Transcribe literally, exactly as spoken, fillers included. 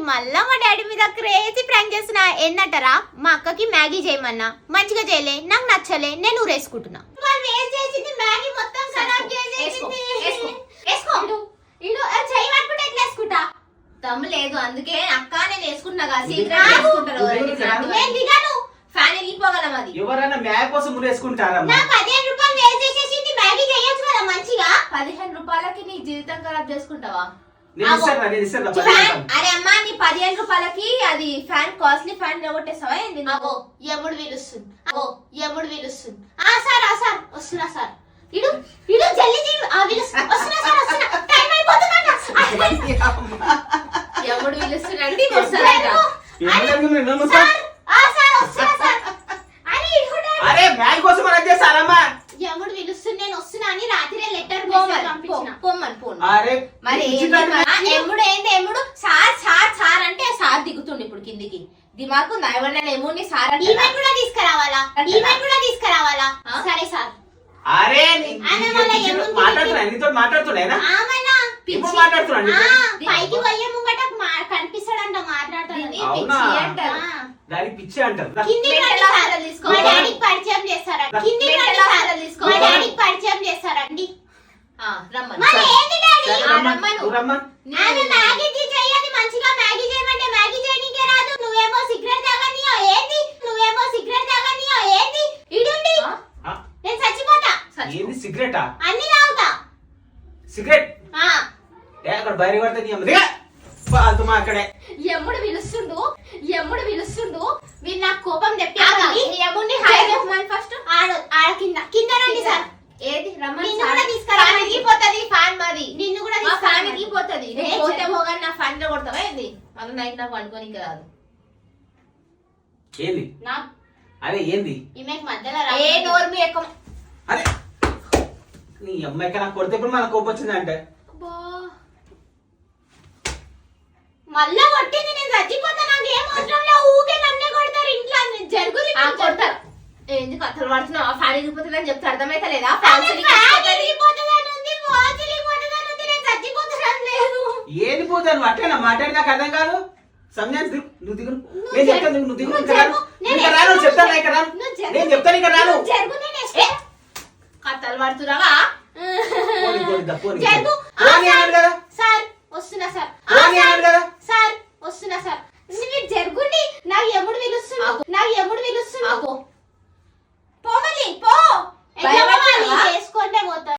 మళ్ళా మా డాడీ మీద క్రేజీ ప్రాంక్ చేస్తున్నా. ఏంటంటారా, మా అక్కకి మ్యాగీ చేయమన్నా మంచిగా చేయలే, నాకు నచ్చలే, నేను ఊరేసుకుంటున్నా. వాళ్ళు వేస్ట్ చేసింది మ్యాగీ మొత్తం ఖరాబ్ చేసేసింది. వేసుకుంటా దమ్ము లేదు, అందుకే అక్క నేను వేసుకుంటున్నా కదా, సీక్రెట్ వేసుకుంటారు. నేను దిగాను, ఫ్యాన్ వెళ్ళిపోగలం. అది ఎవరైనా మ్యాగీ కోసం ఊరేసుకుంటారా? నా పదిహేను రూపాయలు వేస్ట్ చేసేసింది, మ్యాగీ చేయొచ్చు కదా మంచిగా. పదిహేను రూపాయలకి నీ జీవితం ఖరాబ్ చేసుకుంటావా? అరే అమ్మా, నీ పదిహేను రూపాయలకి అది ఫ్యాన్ కాస్ట్లీ ఫ్యాన్ కొట్టేస్తావా ఏంది? అగో ఎముడు పిలుస్తుంది, అగో ఎముడు పిలుస్తుంది. ఆ సార్ ఆ సార్ వస్తున్నా సార్. ఇడు ఇడు జల్లి జల్లి ఆ పిలుస్తున్నా, వస్తున్నా సార్ వస్తున్నా, టైం అయిపోతుందంట. ఎముడు పిలుస్తున్నాండి వస్తారంట. ఆ సార్ వస్తున్నా సార్ అని ఇడుకుంటా. అరే మ్యాగీ కోసం అలా చేస్తారమ్మా. ఎముడు పిలుస్తుంది, నేను వస్తున్నా అని రాత్రి లెటర్ పంపించిన. పొమ్మని పోను. అరే మరి ఎముడు ఏంటి? ఎముడు సార్ సార్ సార్ అంటే సార్ దిగుతుండు ఇప్పుడు కిందికి. దిమాకు ఎవరినైనా ఎముడిని సార్ అంటే ఈవెంట్ కూడా తీసుకురావాలా, ఈవెంట్ కూడా తీసుకురావాలా? సరే సార్. అరే మాట్లాడుతున్నా, నీతో మాట్లాడుతున్నాయినా? ఆమెనా ఇప్పుడు మాట్లాడుతున్నా. పైకి పోయే ముంగట కనిపిస్తాడంట, మాట్లాడతాడు. దానికి పిచ్చి అంటారు. కింది మా డాడీకి పరిచయం చేస్తారా? కింది మా డాడీకి పరిచయం చేస్తారండి. మరి ఏంది డాడీ? ఆమె మ్యాగీ చెయ్యది మంచిగా, మ్యాగీ చేయమంటే మ్యాగీ చేయనీకే రాదు. నువ్వేమో సిగరెట్ తాగనియో ఏంది? నువ్వేమో సిగరెట్ తాగనియో ఏంది? ఇడుండి నేను చచ్చిపోతా. ఏంది సిగరెటా? అన్ని తాగుతా. సిగరెట్ అక్కడ బయట పడుతుంది అక్కడే. ఎముడు పిలుస్తుండు, ఎముడు పిలుస్తుండు. మీరు నాకు కోపం తెప్పించండి. ఎముడిని హై చెప్పమని ఫస్ట్. ఆడ ఆడ కింద కింద రండి సార్. ఏది రమ్మని నిన్ను కూడా తీసుకురావాలి. పోతుంది ఫ్యాన్ మాది. నిన్ను కూడా ఫ్యాన్ ఎగిపోతుంది. పోతే పోగానే నా ఫ్యాన్ లో కొడతావా ఏంది? మళ్ళీ నైట్ నాకు వండుకొని ఇంకా రాదు. ఏంది నా అదే ఏంది? ఈమెకి మధ్యలో ఏ నోరు మీ ఎక్కువ. అరే నీ అమ్మాయికి నాకు కొడితే ఇప్పుడు మనకు కోపం వచ్చింది అంటే మళ్ళా కొట్టింది. నేను చచ్చిపోతా, నాకు ఏం అవసరం లేదు. ఊకే నన్నే కొడతారు ఇంట్లో. జరుగుతుంది కొడతారు. ఏంది కథలు పడుతున్నావు? ఆ ఫ్యాన్ ఎగిపోతుందని చెప్తే అర్థమైతే లేదా? ఏది పోతాను అట్టేనా మాట్లాడి నాకు అర్థం కాదు. సమయాన్ని నువ్వు దిగు, నేను చెప్తాను నువ్వు దిగు. ఇక్కడ రాను, ఇక్కడ రాను చెప్తాను, ఇక్కడ రాను, నేను చెప్తాను, ఇక్కడ రాను. కథలు పడుతున్నావా? కదా సార్ వస్తున్నా సార్, కదా సార్ వస్తున్నా సార్. మీరు జరుగుండి, నాకు ఎముడు పిలుస్తున్నా, నాకు ఎముడు పిలుస్తున్నా. పోవాలి పో, చేసుకుంటే పోతా.